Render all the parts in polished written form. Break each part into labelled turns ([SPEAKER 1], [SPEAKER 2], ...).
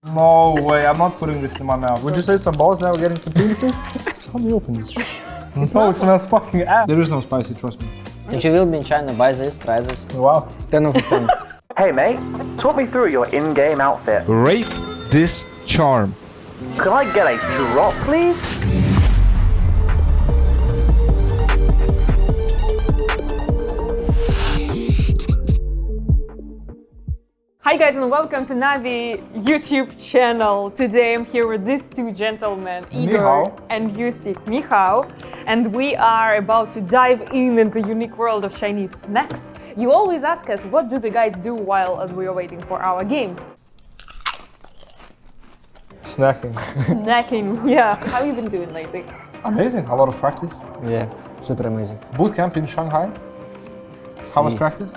[SPEAKER 1] No way, I'm not putting this in my mouth. Would you say some balls now getting some penises? How do you open this shit? No, it smells fucking ass. There is no spicy, trust me.
[SPEAKER 2] If you will be in China, buy this, try this.
[SPEAKER 1] Wow.
[SPEAKER 2] 10 over 10.
[SPEAKER 3] Hey mate, talk me through your in-game outfit.
[SPEAKER 4] Rate this charm.
[SPEAKER 3] Could I get a drop, please?
[SPEAKER 5] Hi guys and welcome to Navi YouTube channel. Today I'm here with these two gentlemen, Igor
[SPEAKER 1] Nihao.
[SPEAKER 5] and Justik. Nihao. And we are about to dive in the unique world of Chinese snacks. You always ask us, what do the guys do while we are waiting for our games?
[SPEAKER 1] Snacking.
[SPEAKER 5] Snacking, yeah. How have you been doing lately?
[SPEAKER 1] Amazing, a lot of practice.
[SPEAKER 2] Yeah, super amazing.
[SPEAKER 1] Boot camp in Shanghai. How much
[SPEAKER 2] See.
[SPEAKER 1] practice?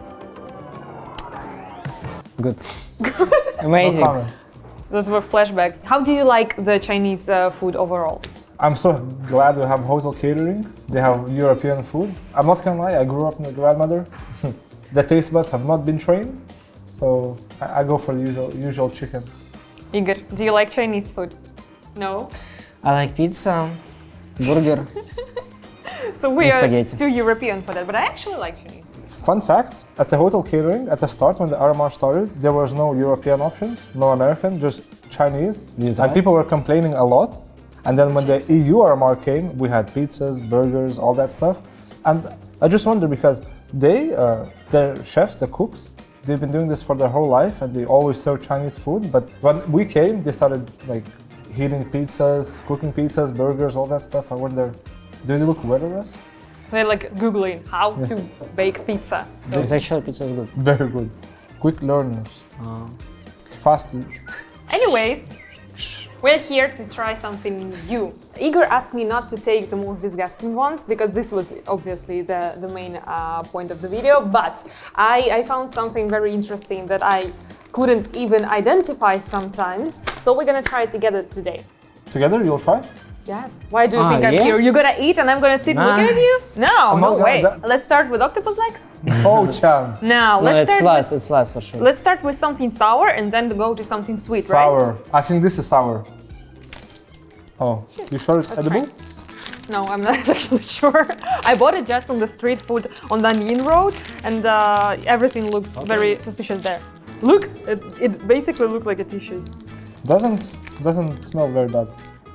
[SPEAKER 2] Good.
[SPEAKER 1] No
[SPEAKER 2] Amazing.
[SPEAKER 1] comment.
[SPEAKER 5] Those were flashbacks. How do you like the Chinese food overall?
[SPEAKER 1] I'm so glad we have hotel catering. They have European food. I'm not gonna lie, I grew up with a grandmother. The taste buds have not been trained, so I go for the usual chicken.
[SPEAKER 5] Igor, do you like Chinese food? No?
[SPEAKER 2] I like pizza, burger.
[SPEAKER 5] So we
[SPEAKER 2] And
[SPEAKER 5] are
[SPEAKER 2] spaghetti.
[SPEAKER 5] too European for that, but I actually like Chinese food.
[SPEAKER 1] Fun fact, at the hotel catering, at the start when the RMR started, there was no European options, no American, just Chinese.
[SPEAKER 2] You
[SPEAKER 1] And
[SPEAKER 2] tried?
[SPEAKER 1] people were complaining a lot. And then when the EU RMR came, we had pizzas, burgers, all that stuff. And I just wonder because their chefs, the cooks, they've been doing this for their whole life and they always serve Chinese food. But when we came, they started like heating pizzas, cooking pizzas, burgers, all that stuff. I wonder, do they look weird at us?
[SPEAKER 5] They're like Googling how to bake pizza.
[SPEAKER 2] It's actually pizza is good.
[SPEAKER 1] Very good. Quick learners. Fast.
[SPEAKER 5] Anyways, we're here to try something new. Igor asked me not to take the most disgusting ones because this was obviously the main point of the video, but I found something very interesting that I couldn't even identify sometimes, so we're gonna try it together today.
[SPEAKER 1] Together, you'll try?
[SPEAKER 5] Yes. Why do you think I'm
[SPEAKER 2] yeah?
[SPEAKER 5] here? You're gonna eat and I'm gonna sit looking at you?
[SPEAKER 2] Nice.
[SPEAKER 5] No,
[SPEAKER 1] I'm
[SPEAKER 5] no
[SPEAKER 1] not gonna-
[SPEAKER 5] way.
[SPEAKER 1] that-
[SPEAKER 5] Let's start with octopus legs.
[SPEAKER 1] Oh, chance.
[SPEAKER 5] Now,
[SPEAKER 2] No,
[SPEAKER 5] let's
[SPEAKER 2] it's last for sure.
[SPEAKER 5] Let's start with something sour and then go to something sweet, right?
[SPEAKER 1] Sour. I think this is sour. Oh, you sure it's
[SPEAKER 5] Let's
[SPEAKER 1] edible?
[SPEAKER 5] No, I'm not actually sure. I bought it just on the street food on Danyin Road, and everything looked very suspicious there. Look, it basically looked like a tissue.
[SPEAKER 1] Doesn't smell very bad.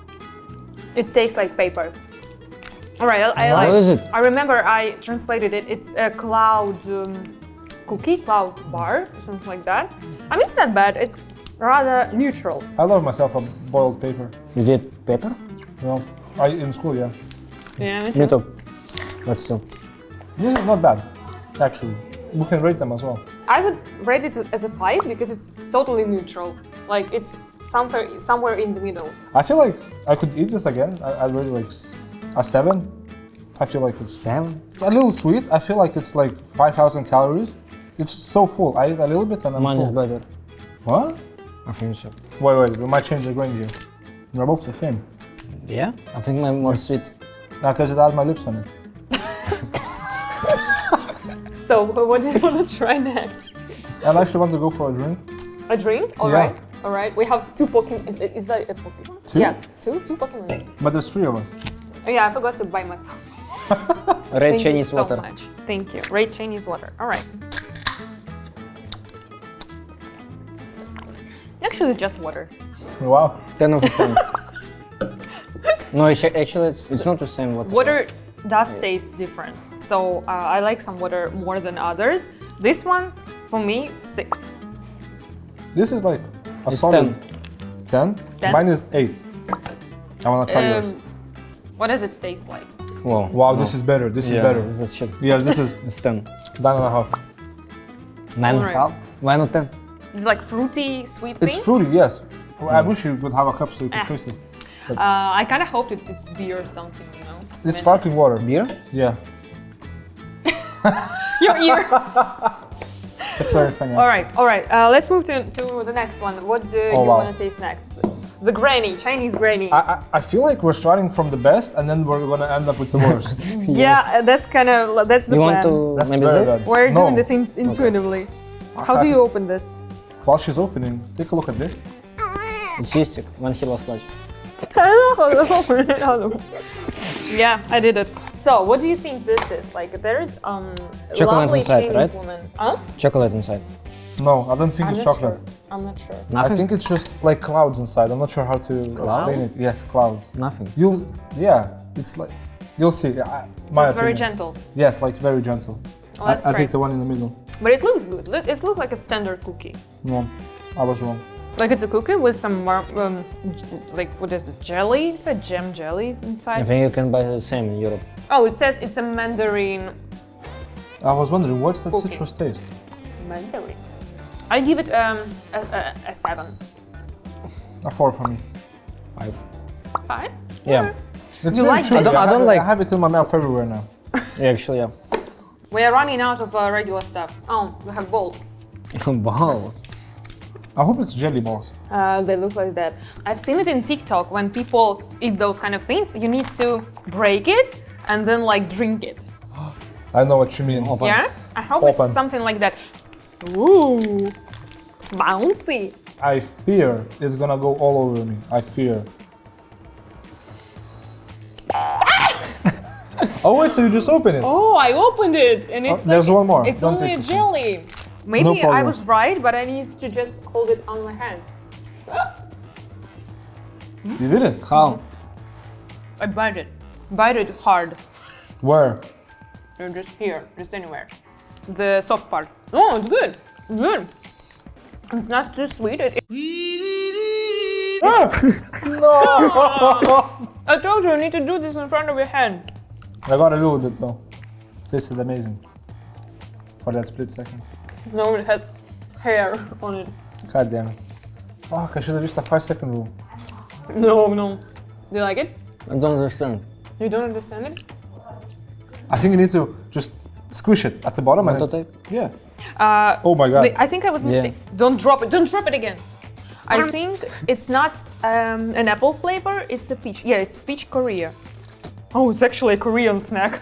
[SPEAKER 5] It tastes like paper. All right, I
[SPEAKER 1] Nice.
[SPEAKER 5] like.
[SPEAKER 2] What is it?
[SPEAKER 5] I remember I translated it. It's a cloud cookie, cloud bar, or something like that. I mean, it's not bad. It's rather neutral.
[SPEAKER 1] I love myself a boiled paper.
[SPEAKER 2] You did pepper?
[SPEAKER 1] No, in school, yeah.
[SPEAKER 5] Yeah,
[SPEAKER 2] Me too. But still.
[SPEAKER 1] This is not bad, actually. We can rate them as well.
[SPEAKER 5] I would rate it as a 5 because it's totally neutral. Like it's somewhere in the middle.
[SPEAKER 1] I feel like I could eat this again. I'd really like a 7. I feel like it's
[SPEAKER 2] 7?
[SPEAKER 1] a little sweet. I feel like it's like 5,000 calories. It's so full. I eat a little bit and I'm
[SPEAKER 2] Mine is
[SPEAKER 1] full.
[SPEAKER 2] better.
[SPEAKER 1] What?
[SPEAKER 2] I think so.
[SPEAKER 1] Wait, we might change the grain here. They're both the same.
[SPEAKER 2] Yeah? I think mine more sweet.
[SPEAKER 1] Because it has my lips on it.
[SPEAKER 5] So what do you want to try next?
[SPEAKER 1] I actually want to go for a drink.
[SPEAKER 5] A drink? All
[SPEAKER 1] Yeah.
[SPEAKER 5] right. All right. We have 2 Pokemon. Is that a Pokemon?
[SPEAKER 1] Two?
[SPEAKER 5] Yes, two Pokemons.
[SPEAKER 1] But there's 3 of us.
[SPEAKER 5] Oh, yeah, I forgot to buy myself.
[SPEAKER 2] Red
[SPEAKER 5] Thank
[SPEAKER 2] Chinese
[SPEAKER 5] you so
[SPEAKER 2] water.
[SPEAKER 5] much. Thank you. Red Chinese water. All right. Actually, it's just water.
[SPEAKER 1] Wow.
[SPEAKER 2] 10 over 10. No, actually it's not the same water.
[SPEAKER 5] Water does taste different. So I like some water more than others. This one's, for me, 6.
[SPEAKER 1] This is like a
[SPEAKER 2] It's
[SPEAKER 1] solid
[SPEAKER 2] 10.
[SPEAKER 1] 10.
[SPEAKER 5] 10?
[SPEAKER 1] Mine is 8. I want to try yours.
[SPEAKER 5] What does it taste like?
[SPEAKER 2] Wow.
[SPEAKER 1] Wow, this is better. This is better.
[SPEAKER 2] This is shit.
[SPEAKER 1] Yes, this is
[SPEAKER 2] It's 10.
[SPEAKER 1] 9.5.
[SPEAKER 2] 9.5? Why not 10?
[SPEAKER 5] It's like fruity, sweet
[SPEAKER 1] It's
[SPEAKER 5] thing.
[SPEAKER 1] fruity, yes. I wish you would have a cup so you could taste it.
[SPEAKER 5] I kind of hoped it's beer or something, you know?
[SPEAKER 1] It's sparkling water.
[SPEAKER 2] Beer?
[SPEAKER 1] Yeah.
[SPEAKER 5] Your ear.
[SPEAKER 1] It's very funny.
[SPEAKER 5] All right. Let's move to the next one. What do you
[SPEAKER 1] wow.
[SPEAKER 5] want to taste next? The granny, Chinese granny.
[SPEAKER 1] I feel like we're starting from the best and then we're gonna end up with the worst.
[SPEAKER 5] Yeah, that's the
[SPEAKER 2] You
[SPEAKER 5] plan.
[SPEAKER 2] want to
[SPEAKER 1] That's
[SPEAKER 2] maybe
[SPEAKER 1] very
[SPEAKER 2] this?
[SPEAKER 1] bad.
[SPEAKER 5] We're
[SPEAKER 1] No.
[SPEAKER 5] doing this intuitively. How do you open this?
[SPEAKER 1] While she's opening, take a look at this.
[SPEAKER 2] It's Ustic when he lost clutch.
[SPEAKER 5] Yeah, I did it. So, what do you think this is? Like, there's
[SPEAKER 2] Chocolate
[SPEAKER 5] lovely
[SPEAKER 2] inside,
[SPEAKER 5] Chinese
[SPEAKER 2] right?
[SPEAKER 5] woman. Huh?
[SPEAKER 2] Chocolate inside.
[SPEAKER 1] No, I don't think
[SPEAKER 5] I'm
[SPEAKER 1] it's
[SPEAKER 5] not
[SPEAKER 1] chocolate.
[SPEAKER 5] sure. I'm not sure.
[SPEAKER 1] I
[SPEAKER 2] Nothing?
[SPEAKER 1] think it's just like clouds inside. I'm not sure how to explain it. Yes, clouds.
[SPEAKER 2] Nothing.
[SPEAKER 1] It's like, you'll see. My
[SPEAKER 5] It's very
[SPEAKER 1] opinion.
[SPEAKER 5] gentle.
[SPEAKER 1] Yes, like very gentle.
[SPEAKER 5] Oh, that's
[SPEAKER 1] I
[SPEAKER 5] right.
[SPEAKER 1] take the one in the middle.
[SPEAKER 5] But it looks good. It looks like a standard cookie.
[SPEAKER 1] No, I was wrong.
[SPEAKER 5] Like it's a cookie with some like what is it? Jelly? It's a jam jelly
[SPEAKER 2] I
[SPEAKER 5] inside.
[SPEAKER 2] think you can buy the same in Europe.
[SPEAKER 5] Oh, it says it's a mandarin.
[SPEAKER 1] I was wondering, what's that
[SPEAKER 5] Cookie.
[SPEAKER 1] citrus taste?
[SPEAKER 5] Mandarin. I give it a 7.
[SPEAKER 1] A 4 for me.
[SPEAKER 2] 5.
[SPEAKER 5] 5?
[SPEAKER 2] Yeah.
[SPEAKER 1] It's
[SPEAKER 5] You
[SPEAKER 1] very
[SPEAKER 5] like
[SPEAKER 1] chewy.
[SPEAKER 5] this?
[SPEAKER 2] I don't like-
[SPEAKER 1] I have it in my mouth everywhere now.
[SPEAKER 2] Yeah, actually, yeah.
[SPEAKER 5] We are running out of regular stuff. Oh, we have balls.
[SPEAKER 2] Balls.
[SPEAKER 1] I hope it's jelly balls.
[SPEAKER 5] They look like that. I've seen it in TikTok when people eat those kind of things. You need to break it and then like drink it.
[SPEAKER 1] I know what you mean.
[SPEAKER 2] Open.
[SPEAKER 5] Yeah? I hope
[SPEAKER 1] Open.
[SPEAKER 5] it's something like that. Ooh, bouncy.
[SPEAKER 1] I fear it's gonna go all over me. I fear. Oh wait, so you just open it?
[SPEAKER 5] Oh, I opened it and it's
[SPEAKER 1] there's
[SPEAKER 5] like,
[SPEAKER 1] one more.
[SPEAKER 5] It's
[SPEAKER 1] Don't
[SPEAKER 5] only
[SPEAKER 1] take
[SPEAKER 5] a
[SPEAKER 1] it.
[SPEAKER 5] jelly. Maybe
[SPEAKER 1] No
[SPEAKER 5] I
[SPEAKER 1] problem.
[SPEAKER 5] was right, but I need to just hold it on my hand.
[SPEAKER 1] You did it?
[SPEAKER 2] How?
[SPEAKER 5] I bite it. Bite it hard.
[SPEAKER 1] Where?
[SPEAKER 5] Just here, just anywhere. The soft part. Oh, it's good. Good. It's not too sweet. I told you need to do this in front of your hand.
[SPEAKER 1] I got a little bit though. This is amazing. For that split second.
[SPEAKER 5] No, it has hair on it.
[SPEAKER 1] God damn it. Fuck, I should have used a 5-second rule.
[SPEAKER 5] No. Do you like it?
[SPEAKER 2] I don't understand.
[SPEAKER 5] You don't understand it?
[SPEAKER 1] I think you need to just squish it at the bottom and
[SPEAKER 2] Want to
[SPEAKER 1] it,
[SPEAKER 2] take?
[SPEAKER 1] yeah. Oh my god.
[SPEAKER 5] I think I was mistaken. Don't drop it. Don't drop it again. I think it's not an apple flavor. It's a peach. Yeah, it's peach Korea. Oh, it's actually a Korean snack.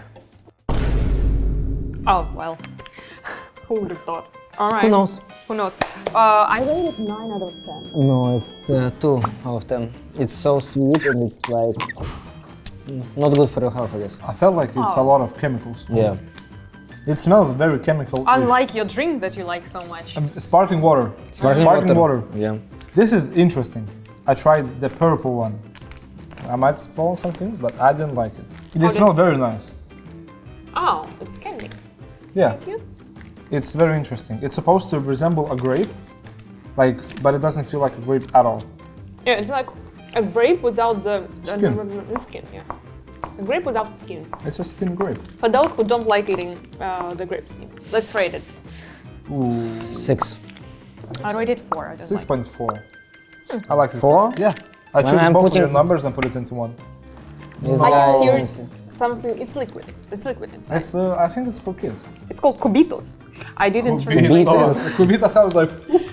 [SPEAKER 5] Oh well. Who would have thought? All right.
[SPEAKER 2] Who knows?
[SPEAKER 5] Who knows? I rate it 9 out of 10.
[SPEAKER 2] No, it's 2 out of 10. It's so sweet and it's like not good for your health, I guess.
[SPEAKER 1] I felt like it's a lot of chemicals.
[SPEAKER 2] Yeah.
[SPEAKER 1] It smells very chemical.
[SPEAKER 5] Unlike your drink that you like so much.
[SPEAKER 1] Sparkling water.
[SPEAKER 2] Sparkling
[SPEAKER 1] water.
[SPEAKER 2] Yeah.
[SPEAKER 1] This is interesting. I tried the purple one. I might spoil some things, but I didn't like it. They smell very nice.
[SPEAKER 5] Oh, it's candy.
[SPEAKER 1] Yeah,
[SPEAKER 5] Thank you.
[SPEAKER 1] it's very interesting. It's supposed to resemble a grape, but it doesn't feel like a grape at all.
[SPEAKER 5] Yeah, it's like a grape without the
[SPEAKER 1] Skin.
[SPEAKER 5] Yeah, a grape without the skin.
[SPEAKER 1] It's a skin grape.
[SPEAKER 5] For those who don't like eating the grape skin, let's rate it.
[SPEAKER 1] Ooh,
[SPEAKER 2] 6.
[SPEAKER 5] I rate it 4. I don't like.
[SPEAKER 1] 6.4. I like it.
[SPEAKER 2] 4?
[SPEAKER 1] Yeah. I chose
[SPEAKER 2] I'm
[SPEAKER 1] both of
[SPEAKER 2] putting-
[SPEAKER 1] your numbers and put it into one.
[SPEAKER 2] This
[SPEAKER 5] I
[SPEAKER 2] guy
[SPEAKER 5] can hear
[SPEAKER 2] is-
[SPEAKER 5] something. It's liquid. It's liquid inside.
[SPEAKER 1] It's, I think it's for kids.
[SPEAKER 5] It's called cubitos. I didn't translate
[SPEAKER 2] Cubitos.
[SPEAKER 5] this.
[SPEAKER 1] Kubita sounds like.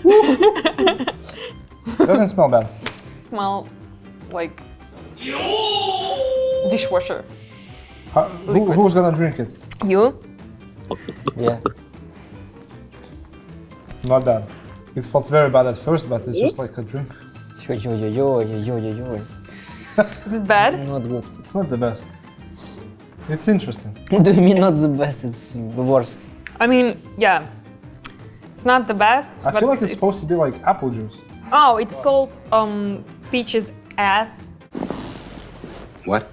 [SPEAKER 1] Doesn't smell bad.
[SPEAKER 5] Smell like dishwasher.
[SPEAKER 1] Who's gonna drink it?
[SPEAKER 5] You?
[SPEAKER 2] Yeah.
[SPEAKER 1] Not bad. It felt very bad at first, but it's just like a drink.
[SPEAKER 2] Yo.
[SPEAKER 5] Is it bad?
[SPEAKER 2] Not good.
[SPEAKER 1] It's not the best. It's interesting.
[SPEAKER 2] What do you mean not the best? It's the worst.
[SPEAKER 5] I mean, yeah. It's not the best.
[SPEAKER 1] I
[SPEAKER 5] but
[SPEAKER 1] feel like it's supposed to be like apple juice.
[SPEAKER 5] Oh, it's called peach's ass.
[SPEAKER 6] What?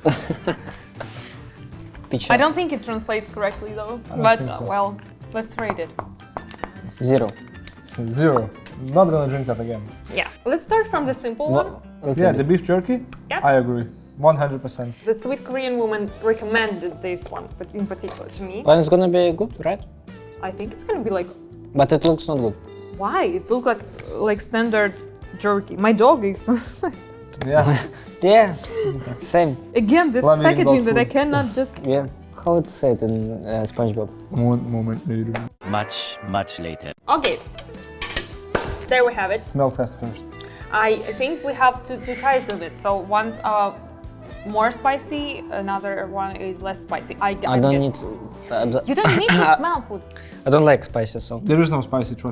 [SPEAKER 2] Peach
[SPEAKER 5] I don't
[SPEAKER 2] ass.
[SPEAKER 5] think it translates correctly though.
[SPEAKER 1] don't
[SPEAKER 5] But
[SPEAKER 1] think so.
[SPEAKER 5] well, let's rate it.
[SPEAKER 2] 0.
[SPEAKER 1] 0. Not gonna drink that again.
[SPEAKER 5] Yeah. Let's start from the simple one.
[SPEAKER 1] Yeah, the beef jerky.
[SPEAKER 5] Yeah.
[SPEAKER 1] I agree. 100%.
[SPEAKER 5] The sweet Korean woman recommended this one, but in particular to me.
[SPEAKER 2] Well, it's gonna be good, right?
[SPEAKER 5] I think it's gonna be like,
[SPEAKER 2] But it looks not good.
[SPEAKER 5] why? It looks like standard jerky. My dog is
[SPEAKER 1] Yeah.
[SPEAKER 2] Yeah. Same.
[SPEAKER 5] again this
[SPEAKER 1] Love eating
[SPEAKER 5] packaging
[SPEAKER 1] dog
[SPEAKER 5] that I
[SPEAKER 1] food.
[SPEAKER 5] cannot just.
[SPEAKER 2] Yeah. How it say it in SpongeBob?
[SPEAKER 1] One moment later.
[SPEAKER 7] Much later.
[SPEAKER 5] Okay. There we have it.
[SPEAKER 1] Smell test first.
[SPEAKER 5] I think we have two types of it. So one's more spicy, another one is less spicy.
[SPEAKER 2] I don't
[SPEAKER 5] guess.
[SPEAKER 2] need.
[SPEAKER 5] You don't need to smell food.
[SPEAKER 2] I don't like spices, so.
[SPEAKER 1] There is no spicy, trust me.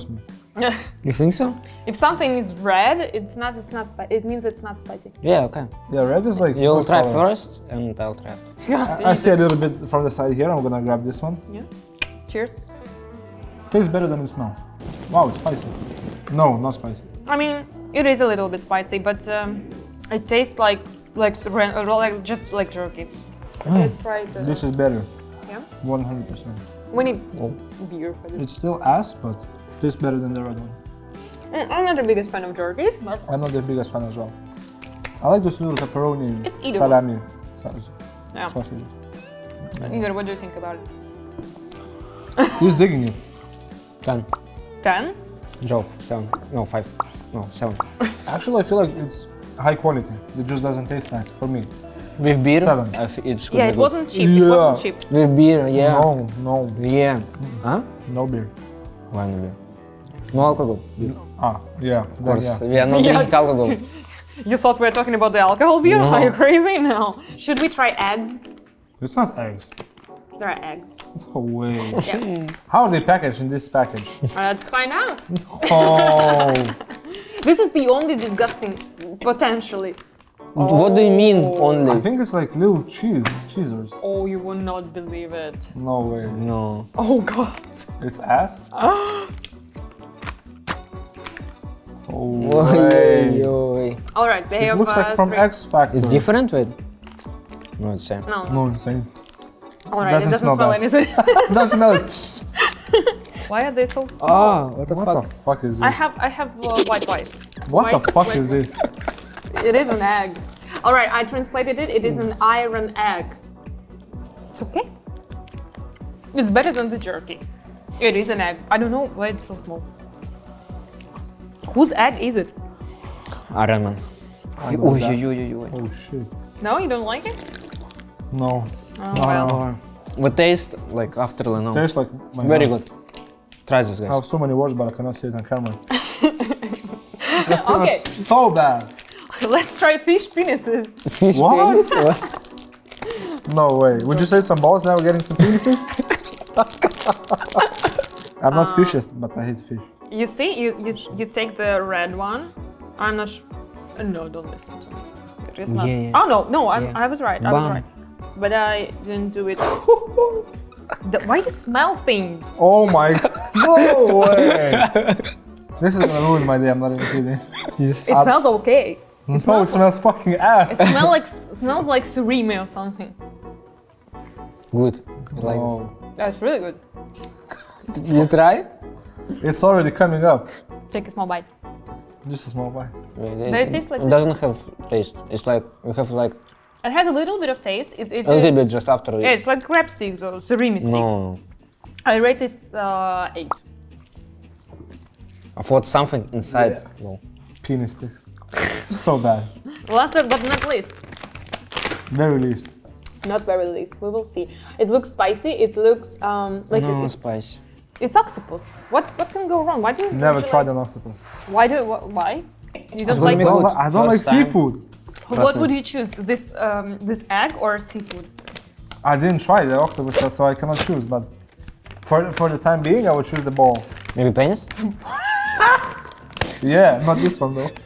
[SPEAKER 2] You think so?
[SPEAKER 5] If something is red, it's not it means it's not spicy.
[SPEAKER 2] Yeah, okay.
[SPEAKER 1] Yeah, red is like.
[SPEAKER 2] You'll
[SPEAKER 1] good
[SPEAKER 2] try
[SPEAKER 1] color.
[SPEAKER 2] first, and I'll try.
[SPEAKER 1] I see a little bit from the side here. I'm gonna grab this one.
[SPEAKER 5] Yeah. Cheers.
[SPEAKER 1] Tastes better than it smells. Wow, it's spicy. No, not spicy.
[SPEAKER 5] I mean, it is a little bit spicy, but it tastes like just like jerky. Let's try it.
[SPEAKER 1] This is better.
[SPEAKER 5] Yeah.
[SPEAKER 1] 100%.
[SPEAKER 5] We need beer for this.
[SPEAKER 1] It's still ass, but tastes better than the red one.
[SPEAKER 5] I'm not the biggest fan of jerkies, but
[SPEAKER 1] I'm not the biggest fan as well. I like those little pepperoni,
[SPEAKER 5] It's eatable.
[SPEAKER 1] salami
[SPEAKER 5] yeah.
[SPEAKER 1] sausages.
[SPEAKER 5] Igor, what do you think about it?
[SPEAKER 1] He's digging it.
[SPEAKER 2] 10.
[SPEAKER 5] 10?
[SPEAKER 2] Joe, 7. No, 5. No, 7.
[SPEAKER 1] Actually, I feel like it's high quality. It just doesn't taste nice for me.
[SPEAKER 2] With beer,
[SPEAKER 1] 7.
[SPEAKER 2] it's good.
[SPEAKER 5] Yeah, it wasn't cheap. It
[SPEAKER 1] Yeah.
[SPEAKER 5] wasn't cheap.
[SPEAKER 2] With beer, yeah.
[SPEAKER 1] No,
[SPEAKER 2] Yeah. Huh?
[SPEAKER 1] no beer.
[SPEAKER 2] Why no beer? No alcohol. Beer.
[SPEAKER 1] Yeah.
[SPEAKER 2] Of course,
[SPEAKER 1] Yeah.
[SPEAKER 2] we are not
[SPEAKER 5] Yeah.
[SPEAKER 2] drinking alcohol.
[SPEAKER 5] You thought we were talking about the alcohol beer?
[SPEAKER 2] No.
[SPEAKER 5] Are you crazy? No. Should we try eggs?
[SPEAKER 1] It's not eggs.
[SPEAKER 5] There are eggs.
[SPEAKER 1] No way.
[SPEAKER 5] Yeah.
[SPEAKER 1] How are they packaged in this package?
[SPEAKER 5] Let's find out.
[SPEAKER 1] Oh,
[SPEAKER 5] This is the only disgusting, potentially.
[SPEAKER 2] What do you mean
[SPEAKER 1] I
[SPEAKER 2] only?
[SPEAKER 1] think it's like little cheesers.
[SPEAKER 5] Oh, you will not believe it.
[SPEAKER 1] No way.
[SPEAKER 2] No.
[SPEAKER 5] Oh god.
[SPEAKER 1] It's ass? Oh
[SPEAKER 2] Oi,
[SPEAKER 1] way.
[SPEAKER 2] oi.
[SPEAKER 5] All right, they
[SPEAKER 1] It
[SPEAKER 5] have.
[SPEAKER 1] looks like from
[SPEAKER 5] 3.
[SPEAKER 1] X Factor.
[SPEAKER 2] It's different with? No, it's same.
[SPEAKER 5] No.
[SPEAKER 1] No, insane.
[SPEAKER 5] All right,
[SPEAKER 1] doesn't
[SPEAKER 5] it doesn't
[SPEAKER 1] smell
[SPEAKER 5] smell
[SPEAKER 1] bad.
[SPEAKER 5] anything.
[SPEAKER 1] Doesn't smell it.
[SPEAKER 5] Why are they so small?
[SPEAKER 2] Oh, what the
[SPEAKER 1] What
[SPEAKER 2] fuck?
[SPEAKER 1] the fuck is this?
[SPEAKER 5] I have white whites.
[SPEAKER 1] What the
[SPEAKER 5] white-
[SPEAKER 1] fuck
[SPEAKER 5] white-
[SPEAKER 1] is this?
[SPEAKER 5] It is an egg. All right, I translated it. It is an iron egg. It's okay. It's better than the jerky. It is an egg. I don't know why it's so small. Whose egg is it?
[SPEAKER 2] Iron Man.
[SPEAKER 1] I know
[SPEAKER 2] Oi,
[SPEAKER 1] that.
[SPEAKER 2] oi, oi, oi.
[SPEAKER 1] Oh shit.
[SPEAKER 5] No, you don't like it?
[SPEAKER 1] No.
[SPEAKER 5] Oh,
[SPEAKER 1] No,
[SPEAKER 5] well.
[SPEAKER 1] no.
[SPEAKER 2] But taste like after no.
[SPEAKER 1] Tastes like my
[SPEAKER 2] Very
[SPEAKER 1] mouth.
[SPEAKER 2] good. Try this,
[SPEAKER 1] I
[SPEAKER 2] guys.
[SPEAKER 1] have so many words, but I cannot say it on camera.
[SPEAKER 5] Okay,
[SPEAKER 1] So bad.
[SPEAKER 5] let's try fish penises.
[SPEAKER 2] Fish
[SPEAKER 1] What?
[SPEAKER 2] penis?
[SPEAKER 1] No way. Would you say some balls now getting some penises? I'm not fishist, but I hate fish.
[SPEAKER 5] You see, you take the red one. I'm not. No, don't listen to me. It is not.
[SPEAKER 2] Yeah.
[SPEAKER 5] Oh no,
[SPEAKER 2] Yeah.
[SPEAKER 5] I was right. I was
[SPEAKER 2] Bam.
[SPEAKER 5] right. But I didn't do it. Why do you smell things?
[SPEAKER 1] Oh my god. No way. This is gonna ruin my day, I'm not even kidding.
[SPEAKER 5] It smells okay.
[SPEAKER 1] No, it smells fucking ass.
[SPEAKER 5] It smells like surimi or something.
[SPEAKER 2] Good. I like
[SPEAKER 1] No.
[SPEAKER 5] That's really good.
[SPEAKER 2] this. You try?
[SPEAKER 1] It's already coming up.
[SPEAKER 5] Take a small bite.
[SPEAKER 1] Just a small bite.
[SPEAKER 5] They taste like
[SPEAKER 2] It doesn't have taste. It's like you have like
[SPEAKER 5] It has a little bit of taste.
[SPEAKER 2] a little bit just after.
[SPEAKER 5] Yeah, it's like crab sticks or surimi sticks.
[SPEAKER 2] No.
[SPEAKER 5] I rate this 8.
[SPEAKER 2] I thought something inside.
[SPEAKER 1] Yeah.
[SPEAKER 2] No.
[SPEAKER 1] Penis sticks. So bad.
[SPEAKER 5] Last but not least.
[SPEAKER 1] Very least.
[SPEAKER 5] Not very least. We will see. It looks spicy. It looks like
[SPEAKER 2] No
[SPEAKER 5] it's
[SPEAKER 2] spice.
[SPEAKER 5] It's octopus. What can go wrong? Why do you
[SPEAKER 1] Never
[SPEAKER 5] usually-
[SPEAKER 1] tried an octopus.
[SPEAKER 5] Why? You don't
[SPEAKER 2] gonna
[SPEAKER 5] like
[SPEAKER 2] make
[SPEAKER 5] what,
[SPEAKER 2] good.
[SPEAKER 1] I don't like
[SPEAKER 2] First time.
[SPEAKER 1] seafood.
[SPEAKER 5] what would you choose? This egg or seafood?
[SPEAKER 1] I didn't try the octopus, so I cannot choose. But for the time being, I would choose the ball.
[SPEAKER 2] Maybe penis?
[SPEAKER 1] Yeah, not this one though.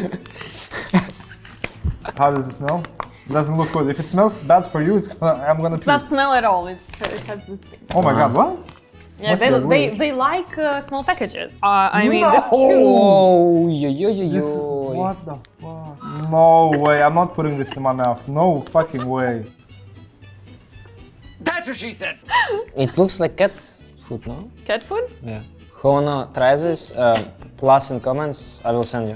[SPEAKER 1] How does it smell? Doesn't look good. If it smells bad for you, I'm gonna
[SPEAKER 5] It's not
[SPEAKER 1] puke.
[SPEAKER 5] smell at all. It has this thing.
[SPEAKER 1] Oh my god, what?
[SPEAKER 5] Yeah,
[SPEAKER 1] Must be weird.
[SPEAKER 5] they like small packages. I mean,
[SPEAKER 1] No!
[SPEAKER 5] this
[SPEAKER 2] Oh, yo, yo, yo,
[SPEAKER 1] This is,
[SPEAKER 2] yo.
[SPEAKER 1] what the fuck? No way, I'm not putting this in my mouth. No fucking way.
[SPEAKER 7] That's what she said.
[SPEAKER 2] It looks like cat food, no?
[SPEAKER 5] cat food?
[SPEAKER 2] Yeah. Who wanna try this? Plus in comments, I will send you.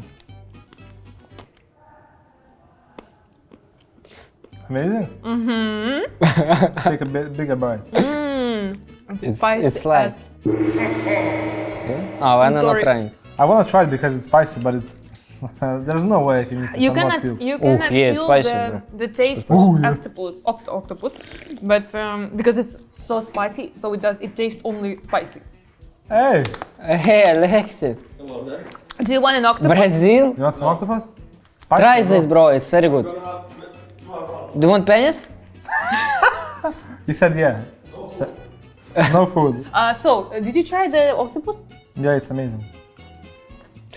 [SPEAKER 1] Amazing? Mm-hmm. Take a bigger bite.
[SPEAKER 5] It's spicy.
[SPEAKER 2] it's like-
[SPEAKER 5] as-
[SPEAKER 2] Yeah? Oh, I'm not
[SPEAKER 5] Sorry.
[SPEAKER 2] trying.
[SPEAKER 1] I wanna try it because it's spicy, but it's... there's no way I can eat it.
[SPEAKER 5] You
[SPEAKER 1] I'm not
[SPEAKER 5] cannot,
[SPEAKER 1] puke.
[SPEAKER 5] you cannot
[SPEAKER 2] yeah, it's
[SPEAKER 5] feel
[SPEAKER 2] spicy,
[SPEAKER 5] the,
[SPEAKER 2] bro.
[SPEAKER 5] the taste of octopus, but because it's so spicy, so it tastes only spicy.
[SPEAKER 1] Hey,
[SPEAKER 2] Hey, Alexi.
[SPEAKER 5] Do you want an octopus?
[SPEAKER 2] Brazil?
[SPEAKER 1] you want some octopus? Spicy,
[SPEAKER 2] Try
[SPEAKER 1] bro.
[SPEAKER 2] this, bro. It's very good. Do you want penis?
[SPEAKER 1] He said yeah. No food.
[SPEAKER 5] So, did you try the octopus?
[SPEAKER 1] Yeah, it's amazing.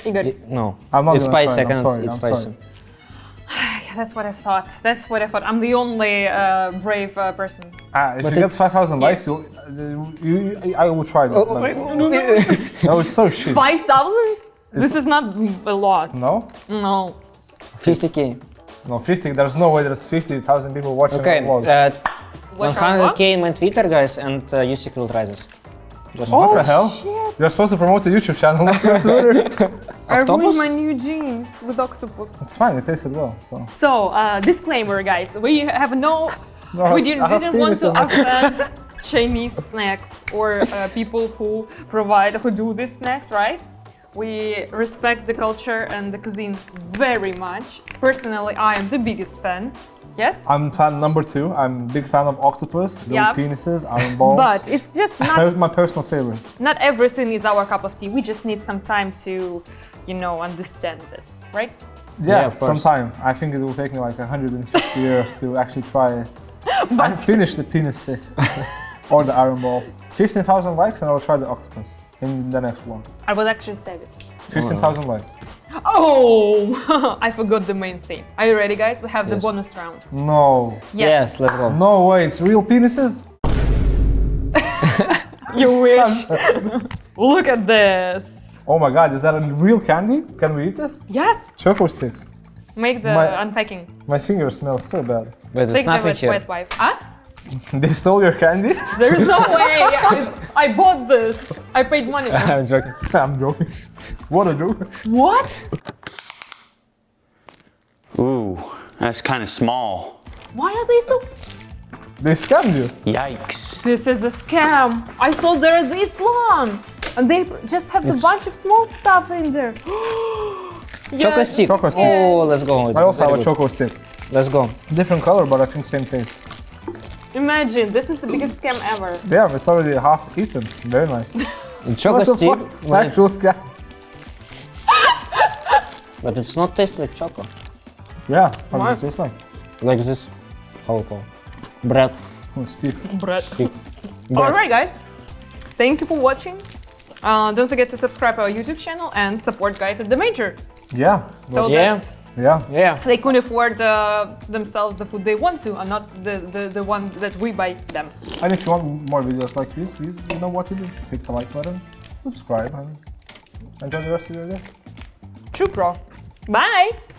[SPEAKER 5] Igor.
[SPEAKER 2] No.
[SPEAKER 1] I'm not
[SPEAKER 2] It's
[SPEAKER 1] gonna
[SPEAKER 2] spicy.
[SPEAKER 1] try it,
[SPEAKER 2] I
[SPEAKER 1] I'm
[SPEAKER 2] cannot
[SPEAKER 1] sorry,
[SPEAKER 2] eat
[SPEAKER 1] I'm
[SPEAKER 2] spicy.
[SPEAKER 1] sorry.
[SPEAKER 5] Yeah, that's what I thought. That's what I thought. I'm the only brave person.
[SPEAKER 1] If
[SPEAKER 2] But
[SPEAKER 1] you get
[SPEAKER 2] it's-
[SPEAKER 1] 5,000 likes, I will try this. No, it's so shit.
[SPEAKER 5] 5,000? This is not a lot.
[SPEAKER 1] No?
[SPEAKER 5] No.
[SPEAKER 2] 50k.
[SPEAKER 1] No, 50. There's no way there's 50,000 people watching
[SPEAKER 2] Okay.
[SPEAKER 1] my vlogs.
[SPEAKER 5] What are
[SPEAKER 2] 100k in my Twitter, guys, and Yusik will try this. Just
[SPEAKER 1] What the hell? You're supposed to promote a YouTube channel, not your Twitter.
[SPEAKER 5] I
[SPEAKER 2] Octopus?
[SPEAKER 5] ruined my new jeans with octopus.
[SPEAKER 1] It's fine, it tasted well, so.
[SPEAKER 5] So, disclaimer, guys. We have no.
[SPEAKER 1] No,
[SPEAKER 5] We
[SPEAKER 1] I
[SPEAKER 5] didn't
[SPEAKER 1] have
[SPEAKER 5] want to
[SPEAKER 1] penis in it.
[SPEAKER 5] offend Chinese snacks or people who do these snacks, right? We respect the culture and the cuisine very much. Personally, I am the biggest fan. Yes?
[SPEAKER 1] I'm fan number 2. I'm big fan of octopus, little
[SPEAKER 5] Yeah.
[SPEAKER 1] penises, iron balls.
[SPEAKER 5] But it's just not
[SPEAKER 1] My personal favorites.
[SPEAKER 5] not everything is our cup of tea. We just need some time to, understand this, right?
[SPEAKER 1] Yeah,
[SPEAKER 2] of course.
[SPEAKER 1] sometime. I think it will take me like 150 years to actually try and finish the penis stick or the iron ball. 15,000 likes and I'll try the octopus in the next vlog.
[SPEAKER 5] I will actually save it.
[SPEAKER 1] 15,000 likes.
[SPEAKER 5] Oh, I forgot the main thing. Are you ready, guys? We have the
[SPEAKER 2] Yes.
[SPEAKER 5] bonus round.
[SPEAKER 1] No.
[SPEAKER 2] Yes, let's go.
[SPEAKER 1] No way, it's real penises?
[SPEAKER 5] You wish. Look at this.
[SPEAKER 1] Oh my god, is that a real candy? Can we eat this?
[SPEAKER 5] Yes.
[SPEAKER 1] Choco sticks.
[SPEAKER 5] Make the
[SPEAKER 1] My-
[SPEAKER 5] unpacking.
[SPEAKER 1] My finger smells so bad.
[SPEAKER 2] But there's
[SPEAKER 5] Take the
[SPEAKER 2] nothing here.
[SPEAKER 5] wet wipe. Huh?
[SPEAKER 1] They stole your candy?
[SPEAKER 5] There is no way. I bought this. I paid money. For it.
[SPEAKER 2] I'm joking.
[SPEAKER 1] I'm joking. What a joke.
[SPEAKER 5] What?
[SPEAKER 7] Ooh, that's kind of small.
[SPEAKER 5] Why are they so?
[SPEAKER 1] They scammed you.
[SPEAKER 7] Yikes.
[SPEAKER 5] This is a scam. I thought they're this long, and they just have a bunch of small stuff in there.
[SPEAKER 2] Choco
[SPEAKER 5] Yes.
[SPEAKER 2] stick.
[SPEAKER 1] Choco stick.
[SPEAKER 2] Oh, let's go. It's
[SPEAKER 1] I also have
[SPEAKER 2] very
[SPEAKER 1] a
[SPEAKER 2] good.
[SPEAKER 1] choco stick.
[SPEAKER 2] Let's go.
[SPEAKER 1] Different color, but I think same taste.
[SPEAKER 5] Imagine, this is the biggest scam ever.
[SPEAKER 1] Yeah, it's already half eaten. Very nice.
[SPEAKER 2] The choco
[SPEAKER 1] What the
[SPEAKER 2] stick,
[SPEAKER 1] fuck? Actual scam.
[SPEAKER 2] but it's not taste like choco.
[SPEAKER 1] Yeah, how
[SPEAKER 5] What?
[SPEAKER 1] does it taste like?
[SPEAKER 2] Like this. How we call? Bread.
[SPEAKER 1] Oh, stick.
[SPEAKER 5] Bread.
[SPEAKER 2] Stick.
[SPEAKER 5] Alright, guys. Thank you for watching. Don't forget to subscribe our YouTube channel and support guys at the Major.
[SPEAKER 1] Yeah.
[SPEAKER 5] So
[SPEAKER 2] Yeah.
[SPEAKER 5] that
[SPEAKER 1] Yeah.
[SPEAKER 2] Yeah.
[SPEAKER 5] they can afford themselves the food they want to, and not the one that we buy them.
[SPEAKER 1] And if you want more videos like this, you know what to do. Hit the like button, subscribe, and enjoy the rest of your day.
[SPEAKER 5] True pro. Bye!